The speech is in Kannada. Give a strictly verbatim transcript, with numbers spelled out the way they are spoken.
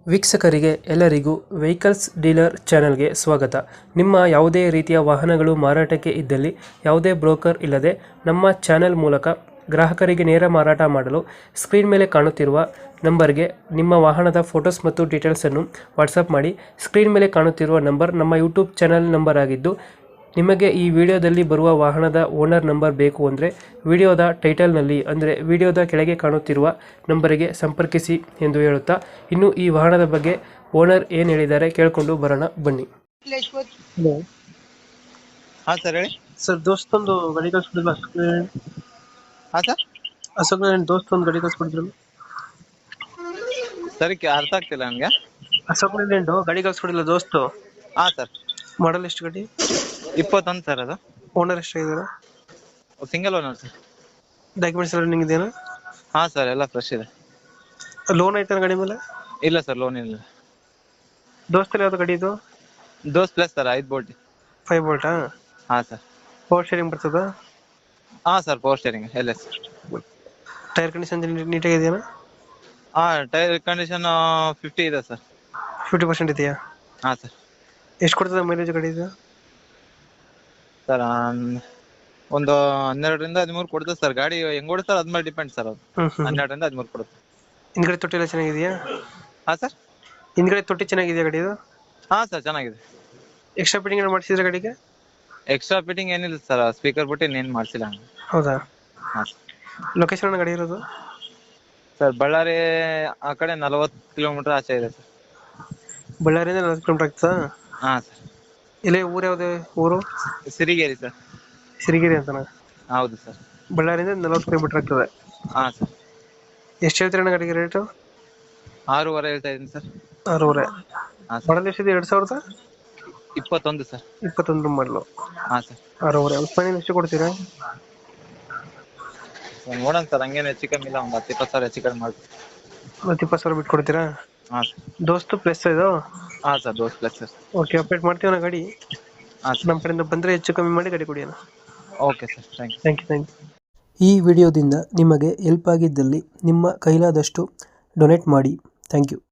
ವೀಕ್ಷಕರಿಗೆ ಎಲ್ಲರಿಗೂ ವೆಹಿಕಲ್ಸ್ ಡೀಲರ್ ಚಾನೆಲ್ಗೆ ಸ್ವಾಗತ. ನಿಮ್ಮ ಯಾವುದೇ ರೀತಿಯ ವಾಹನಗಳು ಮಾರಾಟಕ್ಕೆ ಇದ್ದಲ್ಲಿ ಯಾವುದೇ ಬ್ರೋಕರ್ ಇಲ್ಲದೆ ನಮ್ಮ ಚಾನೆಲ್ ಮೂಲಕ ಗ್ರಾಹಕರಿಗೆ ನೇರ ಮಾರಾಟ ಮಾಡಲು ಸ್ಕ್ರೀನ್ ಮೇಲೆ ಕಾಣುತ್ತಿರುವ ನಂಬರ್ಗೆ ನಿಮ್ಮ ವಾಹನದ ಫೋಟೋಸ್ ಮತ್ತು ಡೀಟೇಲ್ಸನ್ನು ವಾಟ್ಸಪ್ ಮಾಡಿ. ಸ್ಕ್ರೀನ್ ಮೇಲೆ ಕಾಣುತ್ತಿರುವ ನಂಬರ್ ನಮ್ಮ ಯೂಟ್ಯೂಬ್ ಚಾನೆಲ್ ನಂಬರ್ ಆಗಿದ್ದು, ನಿಮಗೆ ಈ ವಿಡಿಯೋದಲ್ಲಿ ಬರುವ ವಾಹನದ ಓನರ್ ನಂಬರ್ ಬೇಕು ಅಂದರೆ ವಿಡಿಯೋದ ಟೈಟಲ್ನಲ್ಲಿ ಅಂದರೆ ವಿಡಿಯೋದ ಕೆಳಗೆ ಕಾಣುತ್ತಿರುವ ನಂಬರಿಗೆ ಸಂಪರ್ಕಿಸಿ ಎಂದು ಹೇಳುತ್ತಾ, ಇನ್ನು ಈ ವಾಹನದ ಬಗ್ಗೆ ಓನರ್ ಏನು ಹೇಳಿದ್ದಾರೆ ಕೇಳಿಕೊಂಡು ಬರೋಣ ಬನ್ನಿ. ಹಲೋ ಹಾ ಸರ್ ಹೇಳಿ. ಸರ್, ದೋಸ್ತೊಂದು ಗಾಡಿ ಕಳ್ಸ್ಕೊಡಿಲ್ಲ? ಹಾ ಸರ್ ಅಶೋಕ್ ದೋಸ್ತೊಂದು ಗಾಡಿ ಕಳ್ಸ್ಕೊಡಿದ್ರು. ಸರಿ ಅರ್ಥ ಆಗ್ತಿಲ್ಲ ನನ್ಗೆ. ಅಶೋಕ್ ಲೇಲ್ಯಾಂಡ್ ಗಾಡಿ ಕಳ್ಸ್ಕೊಡಿಲ್ಲ ದೋಸ್ತು. ಹಾ ಸರ್, ಮಾಡಲ್ ಎಷ್ಟು ಗಾಡಿ? ಇಪ್ಪತ್ತೊಂದು ಸರ್. ಅದು ಓನರ್ ಎಷ್ಟಾಗಿದ್ದಾರೆ? Single owner sir. ಡಾಕ್ಯುಮೆಂಟ್ಸ್ ಎಲ್ಲ ರನ್ನಿಂಗ್ ಇದೆಯಾ? ಹಾ ಸರ್, ಎಲ್ಲ ಫ್ರೆಶ್ ಇದೆ. ಲೋನ್ ಐತಾನ ಗಾಡಿ ಮೇಲೆ? ಇಲ್ಲ ಸರ್, ಲೋನ್ ಇಲ್ಲ. ದೋಸ್ತಲ್ಲಿ ಯಾವ್ದು ಗಾಡಿ ಇದು? ದೋಸ್ ಪ್ಲಸ್ ಸರ್, ಐದು ಬೋಲ್ಟ್. ಫೈವ್ ಬೋಲ್ಟಾ? ಹಾ ಸರ್. ಪವರ್ ಶೇರಿಂಗ್ ಬರ್ತದ? ಹಾ sir, power steering L S. Tyre condition ನೀಟಾಗಿದೆಯಾ? ಹಾ, ಟೈರ್ ಕಂಡೀಷನ್ ಫಿಫ್ಟಿ ಇದೆ ಸರ್. ಫಿಫ್ಟಿ ಪರ್ಸೆಂಟ್ ಇದೆಯಾ? ಹಾ ಸರ್. ಎಷ್ಟು ಕೊಡ್ತದೆ ಮೈಲೇಜ್ ಗಾಡಿ ಇದು? ಸರ್ ಒಂದು ಹನ್ನೆರಡರಿಂದ ಹದಿಮೂರು ಕೊಡುತ್ತೆ ಸರ್. ಗಾಡಿ ಹೆಂಗ್ ಓಡಿಸ್ತಾರೆ ಅದ್ಮೇಲೆ ಡಿಪೆಂಡ್ ಸರ್. ಅದು ಹ್ಮ್ ಹ್ಮ್. ಹನ್ನೆರಡರಿಂದ ಹದಿಮೂರು ಕೊಡುತ್ತೆ. ಹಿಂದ್ಗಡೆ ತೊಟ್ಟಿ ಎಲ್ಲ ಚೆನ್ನಾಗಿದೆಯಾ? ಹಾ ಸರ್. ಹಿಂದ್ಗಡೆ ತೊಟ್ಟಿ ಚೆನ್ನಾಗಿದೆಯಾ ಗಾಡಿ ಇದು? ಹಾ ಸರ್, ಚೆನ್ನಾಗಿದೆ. ಎಕ್ಸ್ಟ್ರಾ ಫಿಟ್ಟಿಂಗ್ ಏನು ಮಾಡಿಸಿದ್ರೆ ಗಾಡಿಗೆ? ಎಕ್ಸ್ಟ್ರಾ ಫಿಟ್ಟಿಂಗ್ ಏನಿಲ್ಲ ಸರ್, ಸ್ಪೀಕರ್ ಬಿಟ್ಟು ಇನ್ನೇನು ಮಾಡಿಸಿಲ್ಲ. ಹೌದಾ? ಹಾ ಲೊಕೇಶನ್ ಗಾಡಿ ಇರೋದು? ಸರ್, ಬಳ್ಳಾರಿ ಆ ಕಡೆ ನಲವತ್ತು ಕಿಲೋಮೀಟರ್ ಆಚೆ ಇದೆ ಸರ್. ಬಳ್ಳಾರಿಯಿಂದ ನಲವತ್ತು ಕಿಲೋಮೀಟರ್ ಆಗ್ತದಾ? ಹಾ ಸರ್. ಇಲ್ಲೇ ಊರು ಯಾವ್ದು ಊರು? ಸಿರಿಗೇರಿ ಸರ್. ಸಿರಿಗೆರೆ ಅಂತನಾ? ಹೌದು ಸರ್. ಬಳ್ಳಾರಿಯಿಂದ ನಲವತ್ತು ಕಿಲೋಮೀಟರ್ ಆಗ್ತದೆ. ಹಾ ಸರ್. ಎಷ್ಟು ಹೇಳ್ತೀರಣ್ಣ ಗಾಡಿಗೆ ರೇಟು? ಆರೂವರೆ ಹೇಳ್ತಾ ಇದ್ದೀನಿ ಸರ್. ಆರೂವರೆ. ಹಾ ಸರ್. ಮಾಡಲ್ ಎಷ್ಟಿದೆ? ಎರಡು ಸಾವಿರದ ಇಪ್ಪತ್ತೊಂದು ಸರ್. ಇಪ್ಪತ್ತೊಂದು ಮಾಡಲು. ಹಾ ಸರ್. ಆರೂವರೆ. ಫೈನಲ್ ಎಷ್ಟು ಕೊಡ್ತೀರಾ? ಸರ್ ನೋಡೋಣ ಸರ್, ಹಂಗೇನು ಹೆಚ್ಚು ಕಮ್ಮಿ ಇಲ್ಲ, ಒಂದು ಹತ್ತು ಇಪ್ಪತ್ತು ಸಾವಿರ ಹೆಚ್ಚು ಕಮ್ಮಿ ಮಾಡ್ತೀವಿ. ಮತ್ತೆ ಇಪ್ಪತ್ತು ಸಾವಿರ ಬಿಟ್ಟು ಕೊಡ್ತೀರಾ? ಹಾ ಸರ್. ದೋಸ್ತು ಪ್ಲಸ್ ಇದು? ಹಾ sir, Dost plus sir. Okay, update ಮಾಡ್ತೀವಣ್ಣ ಗಾಡಿ. ಹಾ ಸರ್. ನಮ್ಮ ಕಡೆಯಿಂದ ಬಂದರೆ ಹೆಚ್ಚು ಕಮ್ಮಿ ಮಾಡಿ ಗಾಡಿ ಕೊಡಿ ಅಣ್ಣ. Okay sir, thank you. Thank you thank you. ಈ ವಿಡಿಯೋದಿಂದ ನಿಮಗೆ ಹೆಲ್ಪ್ ಆಗಿದ್ದಲ್ಲಿ ನಿಮ್ಮ ಕೈಲಾದಷ್ಟು ಡೊನೇಟ್ ಮಾಡಿ. Thank you.